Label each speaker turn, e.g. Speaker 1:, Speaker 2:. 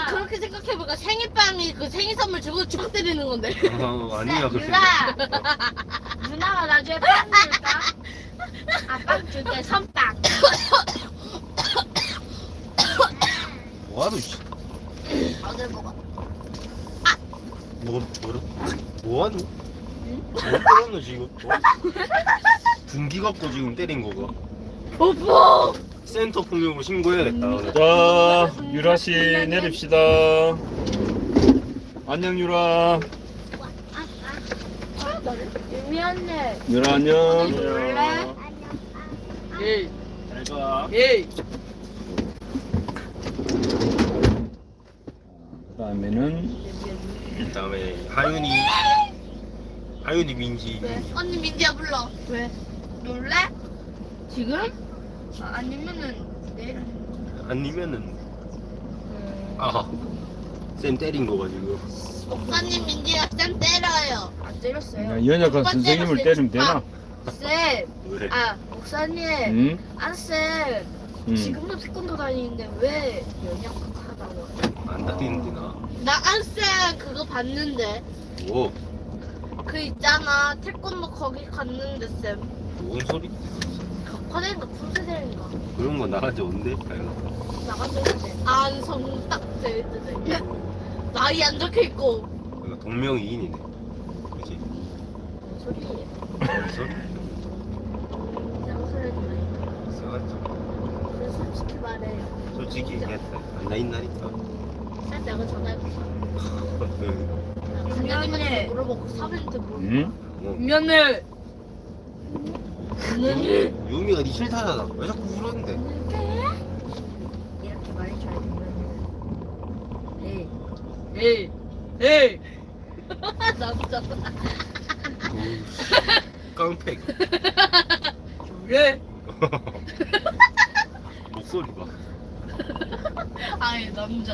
Speaker 1: 그렇게 생각해보니까 생일빵이 그 생일 선물 주고 축 때리는 건데.
Speaker 2: 아니야 그렇게.
Speaker 3: 누나가 나중에 빵 줄까? 아빵 줄게 선빵.
Speaker 2: 뭐하노 씨.
Speaker 1: 어딜 먹어?
Speaker 2: 뭐하노? 뭐 때렸노 지금? 분기 갖고 지금 때린 거가.
Speaker 1: 뽀뽀!
Speaker 2: 센터 폭력으로 신고해야겠다. 오늘.
Speaker 4: 자, 유라 씨 내립시다. 안녕 유라.
Speaker 3: 유미 언니.
Speaker 4: 유라 안녕.
Speaker 3: 놀래?
Speaker 1: 예.
Speaker 2: 잘 가.
Speaker 1: 예.
Speaker 4: 그다음에는
Speaker 2: 그다음에 하윤이 민지.
Speaker 1: 왜? 언니 민지야 불러. 왜?
Speaker 3: 놀래?
Speaker 1: 지금?
Speaker 3: 아니면은 내일.
Speaker 2: 아니면은 쌤 때린 거가 지금.
Speaker 1: 목사님 민지가 쌤 때려요.
Speaker 3: 안 때렸어요.
Speaker 4: 그냥 연약한 선생님을 때리면 되나?
Speaker 3: 쌤.
Speaker 2: 왜?
Speaker 3: 목사님.
Speaker 4: 응?
Speaker 3: 쌤.
Speaker 4: 응.
Speaker 3: 지금도 태권도 다니는데 왜 연약하다고?
Speaker 2: 안 다니는데 나.
Speaker 1: 나 안쌤 그거 봤는데.
Speaker 2: 뭐?
Speaker 1: 그 있잖아 태권도 거기 갔는데 쌤.
Speaker 2: 뭔 소리?
Speaker 1: 격화대인가 풀세대인가
Speaker 2: 그런 거 나간지 언제?
Speaker 3: 나가서 했는데.
Speaker 1: 안성 딱 돼있는데 나이 안 적혀있고.
Speaker 2: 그러니까 동명이인이네. 그치?
Speaker 3: 뭔 소리예요?
Speaker 2: 뭔 소리?
Speaker 3: 쌍소리는
Speaker 2: 써가지고.
Speaker 3: 그래서 솔직히 말해요.
Speaker 2: 솔직히 얘기했다. 안 다닌다니까.
Speaker 1: 쌤 내가 전화해볼까?
Speaker 2: 응.
Speaker 1: 간장님한테 물어보고 사부님한테 물어볼까?
Speaker 4: 응?
Speaker 3: 미안해.
Speaker 2: 유미가 니 싫다잖아. 왜 자꾸 울었는데?
Speaker 3: 이렇게 말해줘야 되면.
Speaker 1: 에이 에이 남자
Speaker 2: 깡패.
Speaker 1: 왜?
Speaker 2: 목소리 봐.
Speaker 1: 아니 남자